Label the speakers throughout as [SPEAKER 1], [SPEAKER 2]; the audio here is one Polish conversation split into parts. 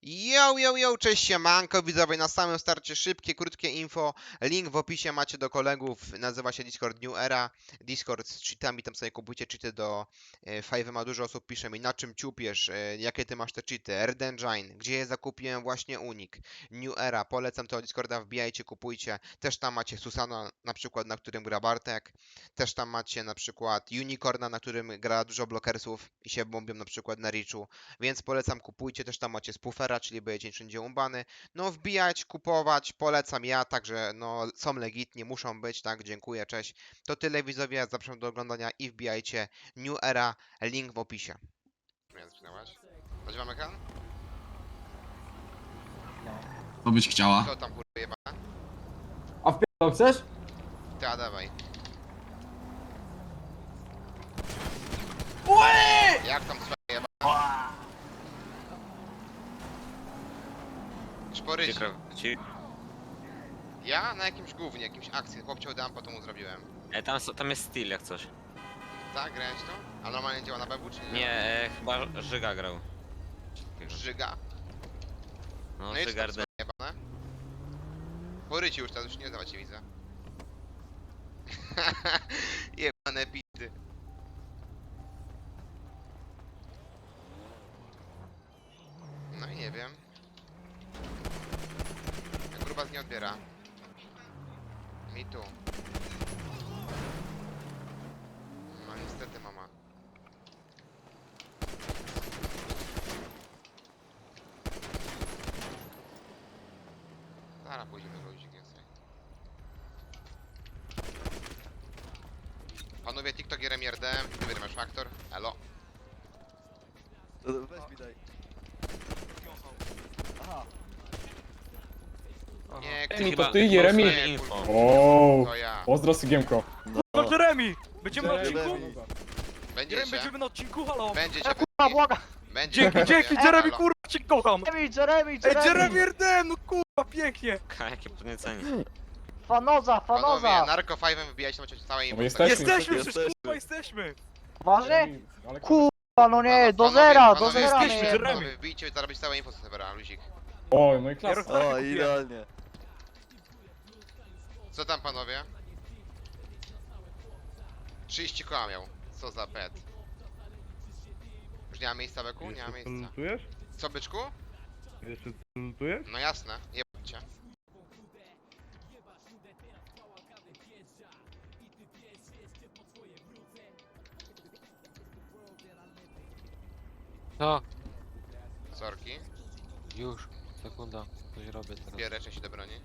[SPEAKER 1] Yo, cześć siemanko widzowie, na samym starcie szybkie, krótkie info, link w opisie macie do kolegów, nazywa się Discord New Era, Discord z cheatami, tam sobie kupujcie cheaty do Five'a, dużo osób pisze mi na czym ciupiesz, jakie ty masz te cheaty, Earth Engine, gdzie je zakupiłem, właśnie Unik, New Era, polecam to Discorda, wbijajcie, kupujcie, też tam macie Susana na przykład, na którym gra Bartek, też tam macie na przykład Unicorna, na którym gra dużo blokersów i się bombią na przykład na Richu, więc polecam, kupujcie, też tam macie spoofera, czyli będziecie wszędzie umbany. No wbijać, kupować, polecam ja, także no są legitni, muszą być, tak, dziękuję, cześć. To tyle widzowie, zapraszam do oglądania i wbijajcie New Era, link w opisie. Nadziewamy ekran?
[SPEAKER 2] Co byś chciała?
[SPEAKER 1] Co tam kurwa jebana?
[SPEAKER 3] A w chcesz?
[SPEAKER 1] Ty, a dawaj. Jak tam twoja jebana? Szporyć. Ja na jakimś gównie, jakimś akcji, chłopcie dam, potem mu zrobiłem.
[SPEAKER 4] Tam jest styl jak coś.
[SPEAKER 1] Tak, grałeś to? A normalnie działa na BW czy nie?
[SPEAKER 4] Nie, chyba Żyga grał.
[SPEAKER 1] Żyga?
[SPEAKER 4] No,
[SPEAKER 1] No i co
[SPEAKER 4] Żyga
[SPEAKER 1] tam twoje jebane? Poryci już teraz, już nie dawać się widzę. Jebane bity. No i nie wiem. Jak grubas nie odbiera. Mi tu. No niestety mama. Zaraz pójdziemy do ludzi więcej. Panowie, TikTok Jeremy RDM, ty masz faktor. Elo.
[SPEAKER 5] Weź mi daj. Aha.
[SPEAKER 1] Nie,
[SPEAKER 3] Jeremy,
[SPEAKER 1] kurwa,
[SPEAKER 3] to ty, Jeremy?
[SPEAKER 1] nie,
[SPEAKER 4] Info.
[SPEAKER 1] kurwa,
[SPEAKER 3] Ooo,
[SPEAKER 1] to ja.
[SPEAKER 3] pozdro Sygiemko.
[SPEAKER 5] No.
[SPEAKER 6] Jeremy! Będziemy na
[SPEAKER 3] Jeremy.
[SPEAKER 6] odcinku?
[SPEAKER 1] Będzie
[SPEAKER 6] Jeremy,
[SPEAKER 1] się.
[SPEAKER 6] będziemy na odcinku, halo!
[SPEAKER 1] Będzie się.
[SPEAKER 5] Kurwa, błagam!
[SPEAKER 1] Będzie
[SPEAKER 6] Dzięki,
[SPEAKER 1] się.
[SPEAKER 6] dzięki,
[SPEAKER 1] Elo.
[SPEAKER 6] Jeremy, kurwa, cię kocham!
[SPEAKER 5] Jeremy!
[SPEAKER 6] Ej, Jeremy RDM, no kurwa, pięknie!
[SPEAKER 4] Jakie podniecenie.
[SPEAKER 5] Fanoza,
[SPEAKER 1] Panowie,
[SPEAKER 5] fanoza!
[SPEAKER 1] Narco 5 wbijać, macie całe
[SPEAKER 3] No
[SPEAKER 1] info.
[SPEAKER 3] bo jesteśmy.
[SPEAKER 6] Jesteśmy,
[SPEAKER 5] jesteśmy.
[SPEAKER 6] przecież kurwa jesteśmy!
[SPEAKER 5] Poważnie?
[SPEAKER 3] Jeremy, ale-
[SPEAKER 5] Kurwa, no nie, do
[SPEAKER 1] Panowie,
[SPEAKER 5] zera, do
[SPEAKER 1] panowie,
[SPEAKER 5] zera
[SPEAKER 6] jesteśmy,
[SPEAKER 5] mnie.
[SPEAKER 6] Jeremy.
[SPEAKER 1] Panowie, wbijcie i zarobić całe info z serwera, luzik.
[SPEAKER 3] O, no i klasa.
[SPEAKER 6] O,
[SPEAKER 5] idealnie.
[SPEAKER 1] Co tam panowie? 30 koła miał. Co za pet. Już nie ma miejsca beku? Nie ma miejsca.
[SPEAKER 7] Lutujesz?
[SPEAKER 1] Co byczku?
[SPEAKER 7] Jeszcze lutujesz?
[SPEAKER 1] No jasne, jebcie.
[SPEAKER 8] No,
[SPEAKER 1] Sorki.
[SPEAKER 8] już, sekunda, coś robię teraz.
[SPEAKER 1] Bierę części do broni.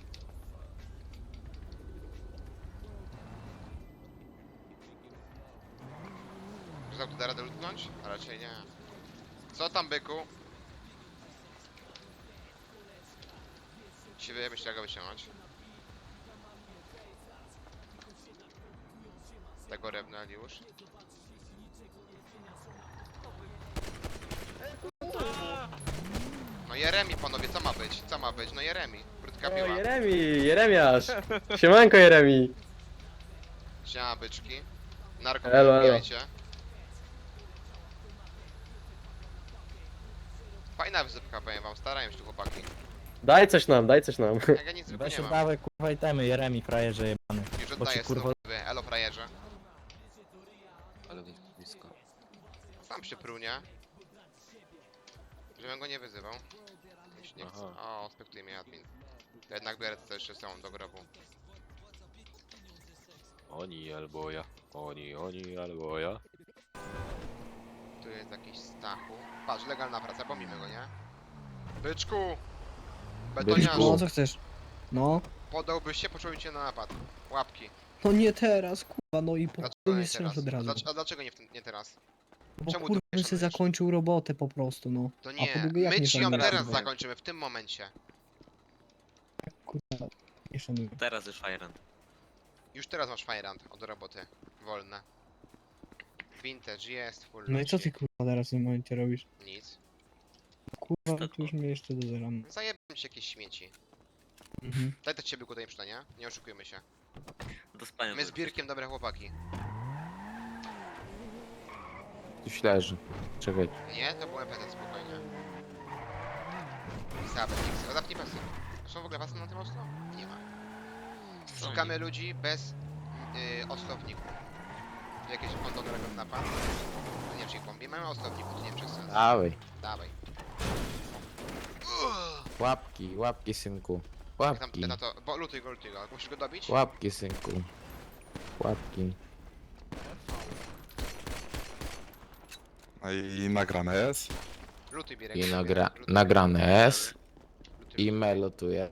[SPEAKER 1] Czy tu da radę lutnąć? A raczej nie. Co tam byku? Się myślę jak go wyciągnąć. Tego rebnęli już. No Jeremi panowie, co ma być? Co ma być? No Jeremi. Krótka piła.
[SPEAKER 3] Jeremiasz. Siemanko Jeremi.
[SPEAKER 1] Siema byczki. Narko
[SPEAKER 3] Elo, elo.
[SPEAKER 1] wbijajcie. Fajna wysypka, powiem wam, starają się tu chłopaki.
[SPEAKER 3] Daj coś nam, daj coś nam.
[SPEAKER 1] Jak ja nic zwykle
[SPEAKER 6] Weź
[SPEAKER 1] nie mam.
[SPEAKER 6] oddawaj, kurwa, itemy, Jeremy, frajerze jebany.
[SPEAKER 1] Już
[SPEAKER 6] bo ci,
[SPEAKER 1] oddaję
[SPEAKER 6] kurwa-
[SPEAKER 1] synowi. Elo frajerze.
[SPEAKER 8] Ale blisko.
[SPEAKER 1] Sam się prunie. Żebym go nie wyzywał. Już nie chcę. O, spektuje mnie admin. To jednak biorę to jeszcze są do grobu.
[SPEAKER 8] Oni albo ja. Oni albo ja.
[SPEAKER 1] Tu jest jakiś Stachu. Patrz, legalna praca, pomimy go, nie? Byczku!
[SPEAKER 9] No
[SPEAKER 1] Betoniarzu,
[SPEAKER 9] co chcesz? No,
[SPEAKER 1] podałbyś się, poczułem cię na napad. Łapki.
[SPEAKER 9] no nie teraz, kurwa, no i po
[SPEAKER 1] Dlaczego
[SPEAKER 9] chuj
[SPEAKER 1] nie
[SPEAKER 9] mnie strzelasz
[SPEAKER 1] teraz?
[SPEAKER 9] od razu.
[SPEAKER 1] A dlaczego nie teraz?
[SPEAKER 9] Bo
[SPEAKER 1] czemu
[SPEAKER 9] kurwa
[SPEAKER 1] tu
[SPEAKER 9] bym
[SPEAKER 1] nie
[SPEAKER 9] sobie
[SPEAKER 1] szanujesz?
[SPEAKER 9] zakończył robotę po prostu, no.
[SPEAKER 1] To
[SPEAKER 9] A
[SPEAKER 1] nie,
[SPEAKER 9] po drugie, jak
[SPEAKER 1] my
[SPEAKER 9] nie
[SPEAKER 1] ci ją
[SPEAKER 9] szanujesz,
[SPEAKER 1] teraz
[SPEAKER 9] kurwa?
[SPEAKER 1] zakończymy, w tym momencie.
[SPEAKER 9] Kurwa, nie szanuję.
[SPEAKER 4] Teraz już Iron.
[SPEAKER 1] Już teraz masz Firehand od roboty. Wolne. Vintage jest, full
[SPEAKER 9] No i co
[SPEAKER 1] ludzi.
[SPEAKER 9] ty kurwa teraz w tym momencie robisz?
[SPEAKER 1] Nic.
[SPEAKER 9] Kurwa, no to już mnie jeszcze do zera.
[SPEAKER 1] Zajebałem ci jakieś śmieci.
[SPEAKER 9] Mhm.
[SPEAKER 1] Daj to ciebie tutaj przynajmniej, nie oszukujmy się.
[SPEAKER 4] Do spania.
[SPEAKER 1] My z Birkiem dobre chłopaki.
[SPEAKER 8] Tu leży. Czekaj.
[SPEAKER 1] Nie, to byłem PT spokojnie. Dobra, X. Zapnij pasy. Są w ogóle pasy na tym ostro? Nie ma. Szukamy ludzi bez oslowników. Jakieś kondonerego napa? To nie wiem, czy ich bombi. Mamy oslowników, to nie wiem, czy jest sens.
[SPEAKER 10] Dawaj.
[SPEAKER 1] Dawaj.
[SPEAKER 10] Łapki, łapki synku.
[SPEAKER 1] Jak tam
[SPEAKER 10] Łapki.
[SPEAKER 1] na to. Bo lutuj go. Musisz go dobić?
[SPEAKER 10] Łapki synku. Łapki.
[SPEAKER 11] No i nagrane jest.
[SPEAKER 1] Lutuj Birek.
[SPEAKER 10] I
[SPEAKER 1] lutuj.
[SPEAKER 10] nagrane jest.
[SPEAKER 1] Lutuj.
[SPEAKER 10] I melotuje.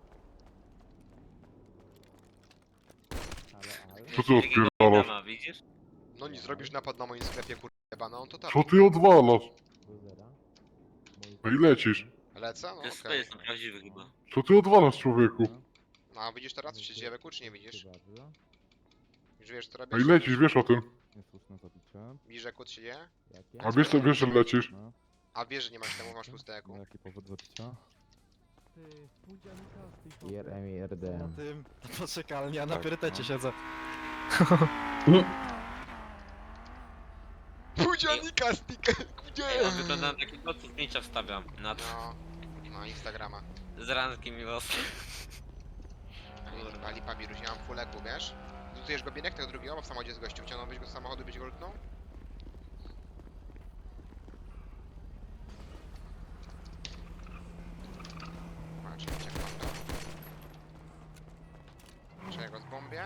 [SPEAKER 7] Co ty odpierdalasz?
[SPEAKER 4] Dama, widzisz?
[SPEAKER 1] No nie zrobisz napad na moim sklepie, kurwa, no on to tak.
[SPEAKER 7] Co ty odwalasz? No i lecisz.
[SPEAKER 1] Lecę? No
[SPEAKER 4] To jest
[SPEAKER 1] okej.
[SPEAKER 4] okay. Prawdziwy chyba.
[SPEAKER 7] Co ty odwalasz, człowieku?
[SPEAKER 1] No a widzisz teraz, co się dzieje we kół, czy nie widzisz? Już wiesz, co
[SPEAKER 7] No
[SPEAKER 1] robisz?
[SPEAKER 7] i lecisz, wiesz o tym.
[SPEAKER 1] Widzisz, jak kód się dzieje?
[SPEAKER 7] A wiesz, że lecisz.
[SPEAKER 1] A wiesz, że nie masz temu, masz puste eku.
[SPEAKER 10] Jeremi RDM.
[SPEAKER 6] Tym, poczekalni, ja na priorytecie siedzę.
[SPEAKER 1] Pudzianika stick!
[SPEAKER 4] Ej, on wygląda na taki kot, co zdjęcia wstawiam. Na
[SPEAKER 1] No, Instagrama.
[SPEAKER 4] z rankiem i was.
[SPEAKER 1] Ali Pabirus, ja mam full eku, wiesz? Lutujesz go Birek, tego drugiego, bo w samochodzie z gościu wciągnąłbyś go z samochodu, byś go lutnął? Patrz, uciekam to. Czy ja go zbombię?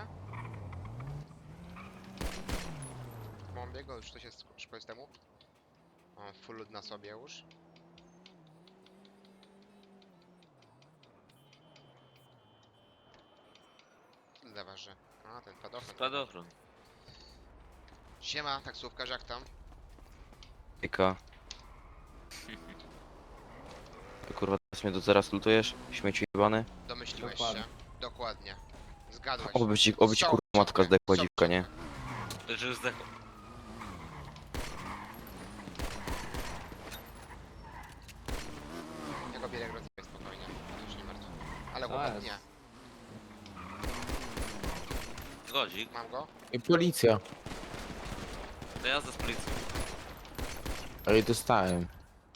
[SPEAKER 1] Zbombię go, już to się szybko jest temu. Mam full lud na sobie już. Zaważy. A, ten padochron.
[SPEAKER 4] Spadochron.
[SPEAKER 1] Siema, taksówkarz, jak tam?
[SPEAKER 8] Ika. Kurwa, teraz mnie tu zaraz lutujesz? Śmieci jebany?
[SPEAKER 1] Domyśliłeś
[SPEAKER 10] Dokładnie.
[SPEAKER 1] się? Dokładnie. Zgadłeś.
[SPEAKER 8] Oby ci
[SPEAKER 1] Są
[SPEAKER 8] kurwa matka
[SPEAKER 1] ciągle,
[SPEAKER 8] zdechła
[SPEAKER 1] są
[SPEAKER 8] dziwka, nie?
[SPEAKER 1] ciągle.
[SPEAKER 4] Że już zdechł.
[SPEAKER 1] Ja go bierę rozjebę spokojnie. Już nie martw. Ale
[SPEAKER 10] To
[SPEAKER 1] chłopak
[SPEAKER 10] jest.
[SPEAKER 1] nie.
[SPEAKER 4] Zgodzik.
[SPEAKER 1] Mam go?
[SPEAKER 10] I policja.
[SPEAKER 4] To jazda z policją.
[SPEAKER 10] Ale dostałem.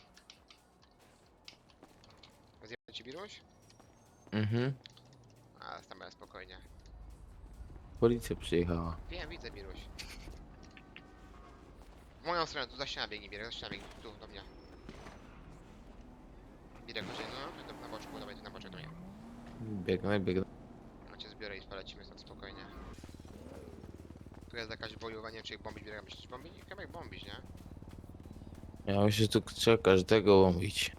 [SPEAKER 1] Rozjebę ci Biruś?
[SPEAKER 10] Mhm.
[SPEAKER 1] A, tam będę spokojnie.
[SPEAKER 10] Policja przyjechała.
[SPEAKER 1] Wiem, widzę Biruś. W moją stronę, tu za ścianę biegnie, Birek, za ścianę biegnie, tu do mnie. Birek, chodź, no, tu na boczku, dawaj tu na boczek do mnie.
[SPEAKER 10] Biegnę.
[SPEAKER 1] No cię zbiorę i polecimy stąd spokojnie. Tu jest jakaś bojowa, nie wiem czy ich bombić, Birek, myślisz bombić? Chyba ich bombić, nie?
[SPEAKER 10] Ja myślę, że tu trzeba każdego łowić.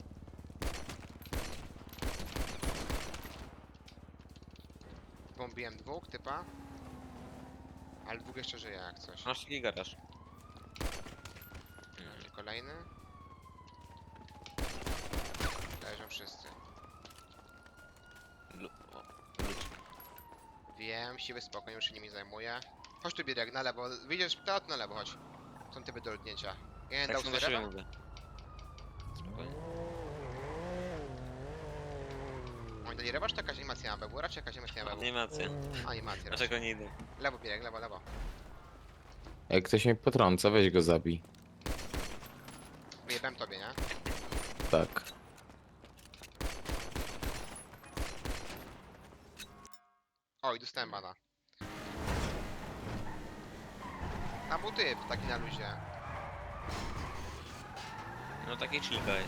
[SPEAKER 1] Bombiłem dwóch typa. Ale dwóch jeszcze żyje jak coś.
[SPEAKER 4] Masz taki garaż.
[SPEAKER 1] I kolejny. Leżą wszyscy.
[SPEAKER 4] O,
[SPEAKER 1] Wiem, siwy spokój, już się nimi zajmuję. Chodź tu Birek, na lewo. Widzisz, to na lewo, chodź. Są typy do lutnięcia. Jeden
[SPEAKER 4] tak
[SPEAKER 1] dał
[SPEAKER 4] się
[SPEAKER 1] sobie
[SPEAKER 4] na siebie
[SPEAKER 1] rewa.
[SPEAKER 4] mówię. Spokojnie.
[SPEAKER 1] Oni dali rewa, czy to jakaś animacja na BW? Raczej jakaś animacja na BW.
[SPEAKER 4] Animacje.
[SPEAKER 1] Animacja raczej.
[SPEAKER 4] Dlaczego nie idę?
[SPEAKER 1] Lewo Birek, lewo, lewo.
[SPEAKER 10] Jak ktoś mnie potrąca, weź go zabij.
[SPEAKER 1] Wyjebałem tobie, nie?
[SPEAKER 10] Tak.
[SPEAKER 1] Oj, dostałem bana. Tam był typ, taki na luzie.
[SPEAKER 4] No taki chillgaj.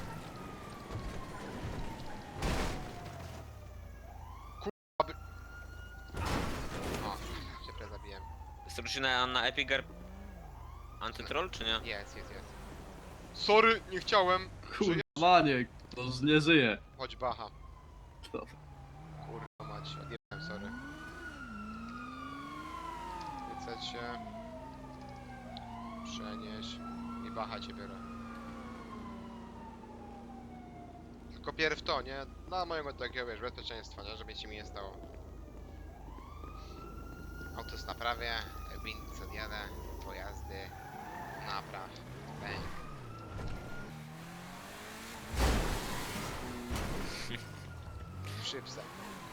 [SPEAKER 1] O, się prawie zabiłem.
[SPEAKER 4] Jest na Epigar Antytroll, czy nie?
[SPEAKER 1] Jest. Sorry, nie chciałem. Żyje?
[SPEAKER 2] Maniek, to już nie żyje.
[SPEAKER 1] Chodź bacha.
[SPEAKER 2] Dobra.
[SPEAKER 1] Kurwa mać, odjebałem, sorry. Wyceć się. Przenieś. I bacha cię biorę. Tylko pierw to, nie? Dla mojego takiego, wiesz, bezpieczeństwa, nie? Żeby ci mi nie stało. Auto jest na prawie, wind odjadę, pojazdy, napraw, bęk. Szybsa.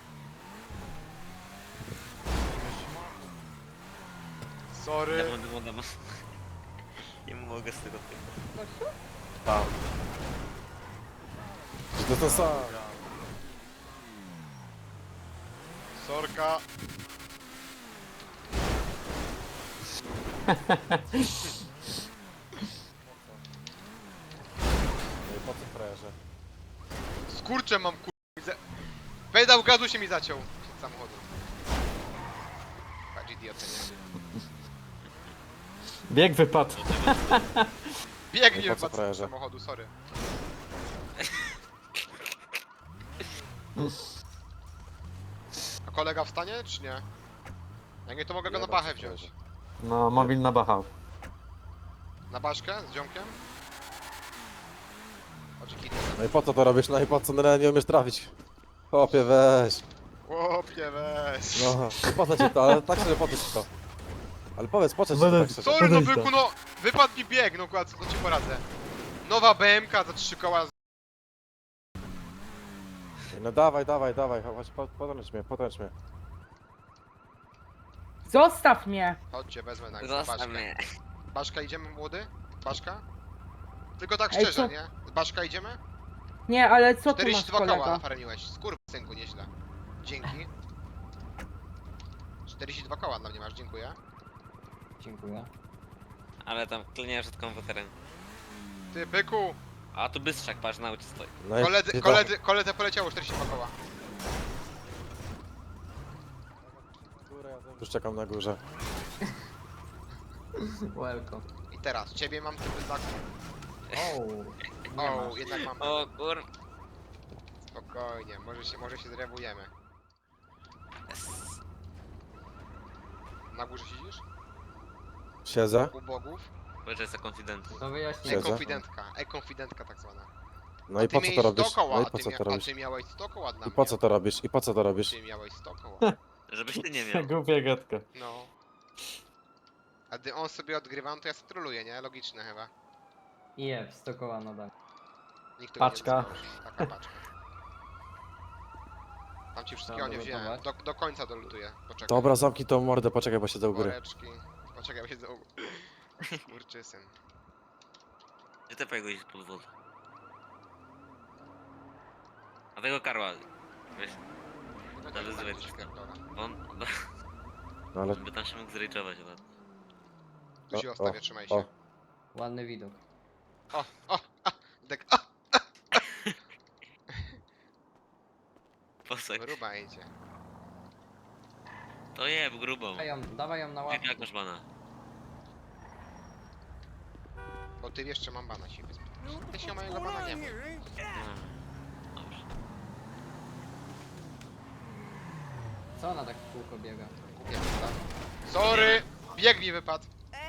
[SPEAKER 1] Sorry.
[SPEAKER 4] Dama. Nie mogę z tego typu.
[SPEAKER 10] To samo.
[SPEAKER 1] Sorka.
[SPEAKER 11] No i po co frajerze?
[SPEAKER 1] Skurczę mam widzę. Pedał gazu się mi zaciął przed samochodu. Patrz idiotę, nie?
[SPEAKER 3] Bieg wypadł.
[SPEAKER 1] Biegnie
[SPEAKER 11] Po co
[SPEAKER 1] z
[SPEAKER 11] frajerze?
[SPEAKER 1] samochodu, sorry. A kolega wstanie, czy nie? Jak nie, to mogę go na
[SPEAKER 11] Jebać
[SPEAKER 1] bachę
[SPEAKER 11] się
[SPEAKER 1] wziąć.
[SPEAKER 11] frajerze.
[SPEAKER 3] No, mobil na bachał.
[SPEAKER 1] Na baszkę z ziomkiem? Oczekity.
[SPEAKER 11] No i po co to robisz? No i po co nie umiesz trafić? Chłopie, weź.
[SPEAKER 1] Chłopie, weź.
[SPEAKER 11] No, po co ci to? Ale tak szczerze, po co ci to? Ale powiedz, po co ci to tak szczerze?
[SPEAKER 1] Sorry, no byku, no! Wypadł mi bieg, no kład, co ci poradzę. Nowa BMK za 3 koła.
[SPEAKER 11] No dawaj, dawaj, dawaj, chodź, podręcz mnie.
[SPEAKER 12] Zostaw mnie!
[SPEAKER 1] Chodźcie, wezmę na
[SPEAKER 4] Zostaw
[SPEAKER 1] baszkę.
[SPEAKER 4] mnie.
[SPEAKER 1] Baszka idziemy, młody? Baszka? Tylko tak
[SPEAKER 12] Ej,
[SPEAKER 1] szczerze,
[SPEAKER 12] co?
[SPEAKER 1] nie? Z Baszka idziemy?
[SPEAKER 12] Nie, ale co tu masz,
[SPEAKER 1] 42 koła
[SPEAKER 12] kolego?
[SPEAKER 1] nafarmiłeś. Synku, nieźle. Dzięki. 42 koła dla mnie masz, dziękuję.
[SPEAKER 3] Dziękuję.
[SPEAKER 4] Ale tam kliniesz przed komputerem.
[SPEAKER 1] Ty, byku!
[SPEAKER 4] A tu bystrzak, patrz, na ulicy stoi.
[SPEAKER 11] No i
[SPEAKER 1] Koledze poleciało 42 koła.
[SPEAKER 11] już czekam na górze.
[SPEAKER 3] Welcome.
[SPEAKER 1] I teraz, ciebie mam typy tak.
[SPEAKER 3] O,
[SPEAKER 1] O, jednak mam.
[SPEAKER 4] O kur...
[SPEAKER 1] Spokojnie, może się zrewujemy. Na górze siedzisz?
[SPEAKER 11] Siedzę.
[SPEAKER 1] U bogów?
[SPEAKER 4] Boże, jest konfident.
[SPEAKER 3] to wyjaśnię.
[SPEAKER 11] Siedzę.
[SPEAKER 1] E-konfidentka tak zwana.
[SPEAKER 11] No i po co to robisz?
[SPEAKER 1] 100 koła,
[SPEAKER 11] No i po co to
[SPEAKER 1] a
[SPEAKER 11] robisz?
[SPEAKER 1] ty miałeś 100 koła dla
[SPEAKER 11] I
[SPEAKER 1] mnie.
[SPEAKER 11] po co to robisz? I po co to robisz?
[SPEAKER 1] Ty miałeś 100 koła.
[SPEAKER 4] Żebyś ty nie miał.
[SPEAKER 3] Głupia gadka.
[SPEAKER 1] No. A gdy on sobie odgrywa, no to ja sobie troluję, nie? Logiczne chyba.
[SPEAKER 3] Je, 100 koła nadal.
[SPEAKER 1] Nikt tego
[SPEAKER 3] Paczka.
[SPEAKER 1] Nie dostało. Taka paczka. Tam ci wszystkiego nie wziąłem. Do końca dolutuję. Poczekaj.
[SPEAKER 11] Dobra, zamknij tą mordę, poczekaj, bo siedzę u góry.
[SPEAKER 1] Woreczki. Poczekaj, bo siedzę u góry. Kurczysyn.
[SPEAKER 4] Gdzie ty pojechałeś pod wodę? A tego Karła, wiesz,
[SPEAKER 1] No
[SPEAKER 4] Ale
[SPEAKER 1] tak,
[SPEAKER 4] zły
[SPEAKER 1] tak,
[SPEAKER 4] jest.
[SPEAKER 1] pierdolę.
[SPEAKER 4] on
[SPEAKER 11] No ale...
[SPEAKER 4] by tam się mógł zrejczować ładnie.
[SPEAKER 1] Tu się
[SPEAKER 11] O,
[SPEAKER 1] ostawię, trzymaj
[SPEAKER 11] o.
[SPEAKER 1] się.
[SPEAKER 3] Ładny widok.
[SPEAKER 1] Dek,
[SPEAKER 4] Posek.
[SPEAKER 1] gruba idzie.
[SPEAKER 4] To jeb grubą.
[SPEAKER 3] Dawaj ją na
[SPEAKER 4] Jak masz bana?
[SPEAKER 1] Bo ty wiesz, że mam bana ci. Ty się mojego bana nie ma.
[SPEAKER 4] Dobrze.
[SPEAKER 3] Co ona tak w kółko biega?
[SPEAKER 1] Kupię, tak? Sorry! Bieg mi wypadł.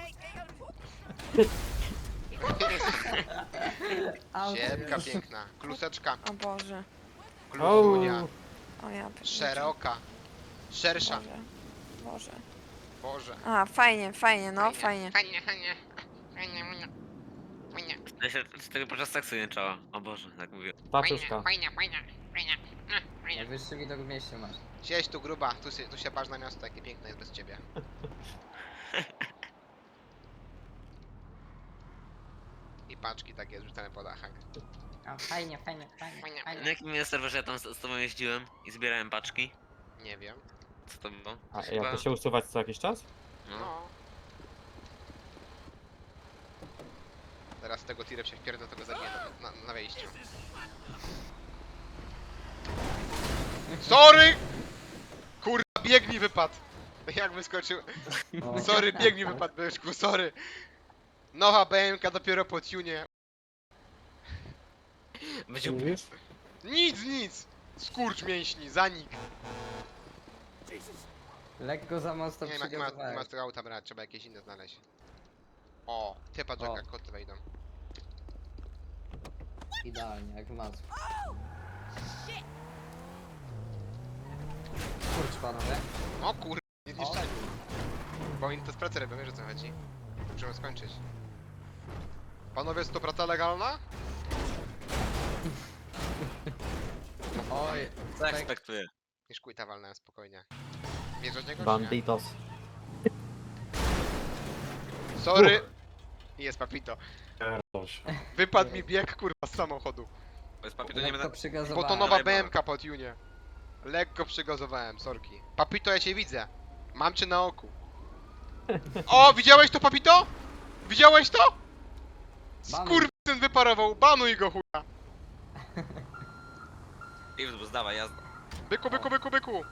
[SPEAKER 1] Siemka piękna. Kluseczka.
[SPEAKER 12] O Boże.
[SPEAKER 1] Kluzunia.
[SPEAKER 12] O ja
[SPEAKER 1] Szeroka. Szersza.
[SPEAKER 12] Boże.
[SPEAKER 1] Boże.
[SPEAKER 12] A, fajnie, fajnie, no fajnie.
[SPEAKER 1] Fajnie, fajnie. Fajnie, fajnie. Fajnie.
[SPEAKER 4] Ja się z tego podczas seksu nie czała. O Boże, tak mówię.
[SPEAKER 3] Paczuszka.
[SPEAKER 1] Fajnie, fajnie, fajnie. Fajnie.
[SPEAKER 3] Najwyższy widok w mieście masz.
[SPEAKER 1] Siedź tu gruba, tu się patrz na miasto, jakie piękne jest bez ciebie. I paczki takie zrzucane po dachach.
[SPEAKER 3] A, fajnie, fajnie,
[SPEAKER 1] Fajnie.
[SPEAKER 4] Na jakim jest serwerze ja tam z tobą jeździłem i zbierałem paczki?
[SPEAKER 1] Nie wiem.
[SPEAKER 4] Co to było?
[SPEAKER 3] A
[SPEAKER 4] Chyba-
[SPEAKER 3] jak to się usuwać co jakiś czas?
[SPEAKER 4] No.
[SPEAKER 1] No. Teraz z tego tirem się wpierdolę, tego zabiję na wejściu. Sorry! Kurwa, bieg mi wypadł. Jak wyskoczył. Sorry, bieg mi wypadł, byszku, sorry. Nowa BMK dopiero po tunie.
[SPEAKER 4] Będzie
[SPEAKER 3] Mówisz?
[SPEAKER 1] Nic! Skurcz mięśni, zanik.
[SPEAKER 3] Lekko za mocno
[SPEAKER 1] Nie ma z tego auta brać, trzeba jakieś inne znaleźć. O, ty patrz
[SPEAKER 3] O.
[SPEAKER 1] jak koty wejdą.
[SPEAKER 3] Idealnie, jak w masło. Kurcz panowie.
[SPEAKER 1] O kur... nie zniszczali. Bo oni to z pracy robią, wiesz o co chodzi. Musimy skończyć. Panowie, jest to praca legalna?
[SPEAKER 3] Oj,
[SPEAKER 4] Co ekspektuję?
[SPEAKER 1] Niż quita walnąłem spokojnie. Bierzesz niego, czy nie?
[SPEAKER 3] banditos.
[SPEAKER 1] Sorry! Jest papito. Wypadł mi bieg kurwa z samochodu.
[SPEAKER 4] Bez papieru nie
[SPEAKER 3] lekko
[SPEAKER 4] będę...
[SPEAKER 1] Bo
[SPEAKER 3] przygazowałem.
[SPEAKER 1] to nowa
[SPEAKER 4] Dawaj,
[SPEAKER 1] BMK po tunie. Lekko przygazowałem, sorki. Papito, ja cię widzę. Mam cię na oku. O, widziałeś to, Papito? Widziałeś to?
[SPEAKER 3] Banuj.
[SPEAKER 1] Skurwysyn wyparował, banuj go chuja.
[SPEAKER 4] Piwz, zdawaj, jazda.
[SPEAKER 1] Byku, byku, byku, byku.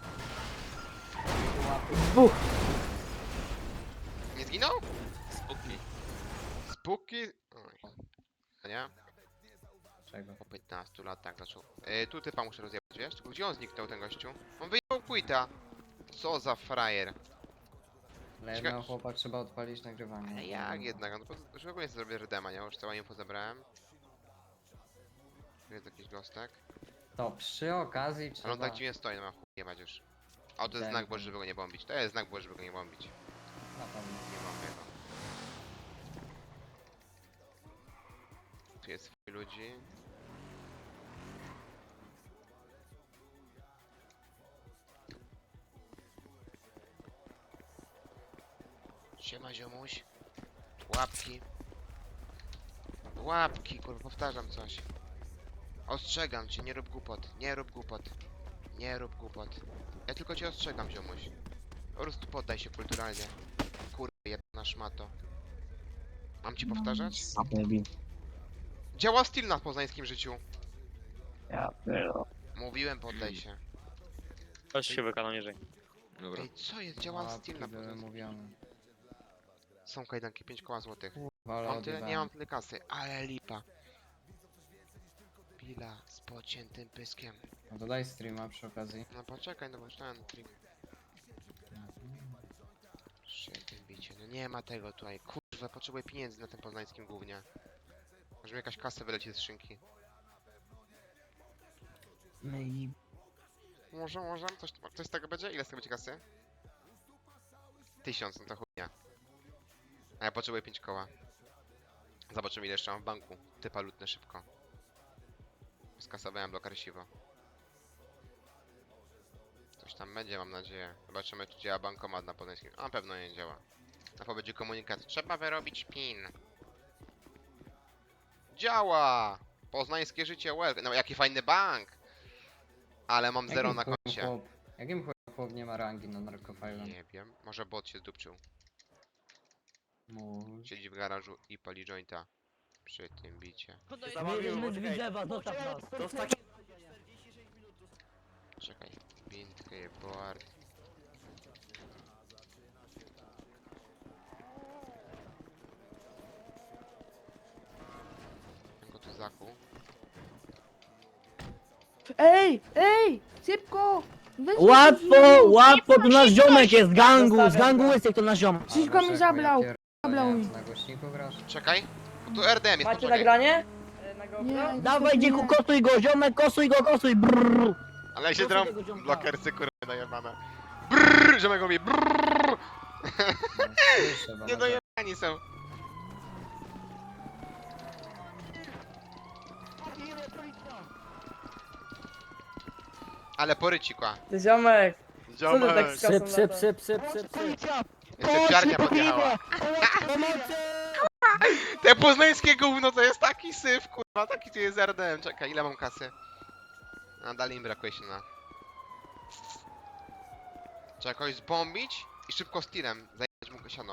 [SPEAKER 1] Nie zginął?
[SPEAKER 4] Spuknij.
[SPEAKER 1] Spuki? Oj. Nie?
[SPEAKER 3] Czego?
[SPEAKER 1] Po 15 latach zaczął. Tu typa muszę rozjebać, wiesz? Tylko gdzie on zniknął, ten gościu? On wyjechał quita. Co za frajer.
[SPEAKER 3] Dla
[SPEAKER 1] Cieka-
[SPEAKER 3] jednego chłopa trzeba odpalić nagrywanie.
[SPEAKER 1] Ale jak jednak? No to już w ogóle nie zrobię redema, nie? Już całe info zebrałem. Tu jest jakiś gostek.
[SPEAKER 3] To przy okazji
[SPEAKER 1] Ale
[SPEAKER 3] trzeba...
[SPEAKER 1] on tak dziwnie stoi, no ma chuj jebać już. A to jest
[SPEAKER 3] Tak,
[SPEAKER 1] znak
[SPEAKER 3] tak.
[SPEAKER 1] Boży, żeby go nie bombić. To jest znak Boży, żeby go nie bombić.
[SPEAKER 3] Na pewno.
[SPEAKER 1] Nie bombię go. Tu jest swój ludzi. Siema ziomuś. Łapki. Łapki, kurwa, powtarzam coś. Ostrzegam cię, nie rób głupot, nie rób głupot. Nie rób głupot. Ja tylko cię ostrzegam, ziomuś. Po prostu poddaj się kulturalnie. Kurwa, jedna szmato. Mam ci powtarzać? Działa styl na poznańskim życiu.
[SPEAKER 5] Ja pierdolę.
[SPEAKER 1] Mówiłem, poddaj się.
[SPEAKER 8] Chodź się wykanał niżej.
[SPEAKER 4] Dobra.
[SPEAKER 1] Ej, co jest? Działa
[SPEAKER 3] Łapki
[SPEAKER 1] styl na
[SPEAKER 3] były
[SPEAKER 1] poznańskim.
[SPEAKER 3] mówione.
[SPEAKER 1] Są kajdanki, 5 koła złotych.
[SPEAKER 3] Ale
[SPEAKER 1] Mam tyle? Nie
[SPEAKER 3] odjebałem.
[SPEAKER 1] mam tyle kasy, ale lipa. Pila z pociętym pyskiem.
[SPEAKER 3] No to daj streama przy okazji.
[SPEAKER 1] No poczekaj, no bo ten trik. Świetnie bicie, no nie ma tego tutaj. Kurwa, potrzebuję pieniędzy na tym poznańskim głównie. Może mi jakaś kasa wyleci z szynki. Może? Coś z tego będzie? Ile z tego będzie kasy? 1000, no to chujnia. A ja potrzebuję 5 koła. Zobaczymy ile jeszcze mam w banku. Typa lutny szybko. Skasowałem blokar siwo. Coś tam będzie, mam nadzieję. Zobaczymy, czy działa bankomat na poznańskim. A na pewno nie działa. Na pewno będzie komunikat. Trzeba wyrobić PIN. Działa! Poznańskie życie, no jaki fajny bank! Ale mam 0 na koncie.
[SPEAKER 3] Jakim chujem chłop nie ma rangi na narkofajlem?
[SPEAKER 1] Nie wiem, może bot się zdupczył.
[SPEAKER 3] Mój.
[SPEAKER 1] Siedzi w garażu i pali jointa. Przy tym bicie. Czekaj. Bintkę, board. Go tu zakuł.
[SPEAKER 12] Ej! Szybko!
[SPEAKER 5] Łatwo, tu nasz ziomek jest z gangu łysek to nasz ziomek.
[SPEAKER 12] Wszystko mi zablał. Zablał mi.
[SPEAKER 3] Na głośniku grasz?
[SPEAKER 1] Czekaj, bo tu RDM jest, poczekaj.
[SPEAKER 12] nagranie? Nie,
[SPEAKER 5] Dawaj dzieku, kosuj go, ziomek, kosuj, brrr.
[SPEAKER 1] Ale się
[SPEAKER 5] Proszę
[SPEAKER 1] drą
[SPEAKER 5] tego ziomka.
[SPEAKER 1] blokersy, kurwa, najebane. Brrr, ziomek mówi brrr.
[SPEAKER 3] No, słyszę, bo
[SPEAKER 1] Nie
[SPEAKER 3] na-
[SPEAKER 1] dojebani są. Ale porycikła.
[SPEAKER 12] Ziomek!
[SPEAKER 1] Ziomek.
[SPEAKER 5] Psy.
[SPEAKER 1] Jeszcze psiarnia podjechała. Te poznańskie gówno to jest taki syf, kurwa, taki tu jest RDM. Czekaj, ile mam kasy? A dalej mi brakuje się na... Trzeba kogoś zbombić i szybko z tirem zajebać mu siano.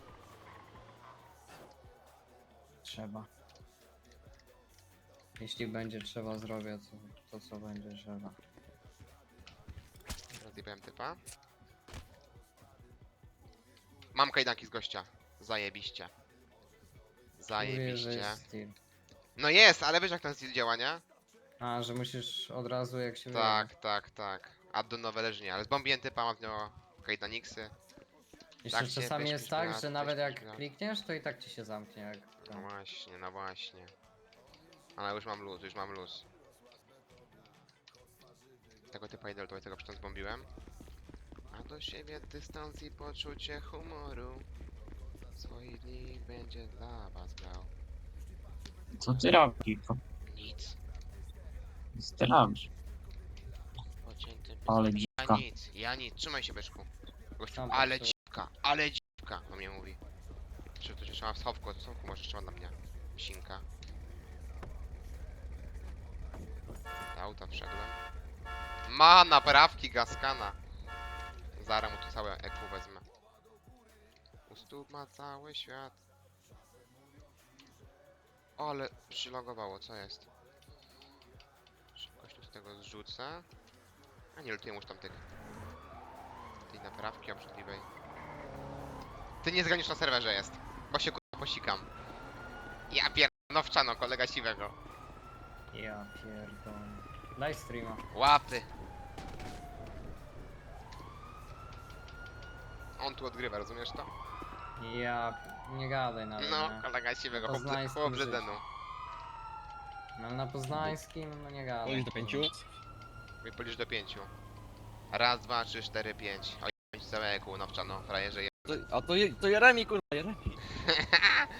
[SPEAKER 3] Trzeba. Jeśli będzie trzeba, zrobię to co będzie trzeba.
[SPEAKER 1] Rozjebałem typa. Mam kajdanki z gościa. Zajebiście.
[SPEAKER 3] Mówię, że
[SPEAKER 1] Zajebiście.
[SPEAKER 3] jest styl.
[SPEAKER 1] No jest, ale wiesz jak ten styl działa, nie?
[SPEAKER 3] A, że musisz od razu jak się
[SPEAKER 1] Tak. Add do nowe leżnie, ale zbombiłem typa, mam w nią kajdaniksy.
[SPEAKER 3] Jeszcze
[SPEAKER 1] tak się
[SPEAKER 3] czasami
[SPEAKER 1] weź
[SPEAKER 3] jest
[SPEAKER 1] pięć
[SPEAKER 3] tak,
[SPEAKER 1] lat,
[SPEAKER 3] że
[SPEAKER 1] weź
[SPEAKER 3] nawet
[SPEAKER 1] pięć
[SPEAKER 3] jak
[SPEAKER 1] lat.
[SPEAKER 3] klikniesz, to i tak ci się zamknie jak...
[SPEAKER 1] No właśnie. Ale już mam luz. Tego typa idę, tego przecież zbombiłem. A do siebie dystans i poczucie humoru. Swoich dni będzie dla was grał.
[SPEAKER 5] Co ty robisz?
[SPEAKER 1] Nic.
[SPEAKER 5] Co ty robisz?
[SPEAKER 1] Pocięty
[SPEAKER 5] Ale
[SPEAKER 1] pysk. Ja nic. Trzymaj się, Beszku. Gościu,
[SPEAKER 3] Tam
[SPEAKER 1] ale
[SPEAKER 3] patrzę.
[SPEAKER 1] dziwka, on mnie mówi. Czy to jeszcze ma w schowku, a to schowku może jeszcze ma dla mnie. Psinka. Do auta wszedłem. Ma naprawki Gaskana. Zaraz mu tu całe EQ wezmę. U stóp ma cały świat. O, ale przylogowało, co jest? Szybkość tu z tego zrzucę. A nie lutuję już tam tej naprawki obrzydliwej. Ty nie zganisz na serwerze jest, bo się kurwa posikam. Ja nowczano, kolega siwego.
[SPEAKER 3] Ja pierdolę. Daj streama.
[SPEAKER 1] Łapy. On tu odgrywa, rozumiesz to?
[SPEAKER 3] Ja... Nie gadaj nawet,
[SPEAKER 1] No,
[SPEAKER 3] nie?
[SPEAKER 1] kolega siwego,
[SPEAKER 3] Poznańskim
[SPEAKER 1] chłop
[SPEAKER 3] życiu.
[SPEAKER 1] Żydenu.
[SPEAKER 3] No na poznańskim, no nie gadaj.
[SPEAKER 9] Polisz do 5?
[SPEAKER 1] Polisz do 5. Raz, dwa, trzy, cztery, 5. Oj, całe EQ, nowczano, frajerze.
[SPEAKER 11] To Jeremi, kurwa, Jeremi.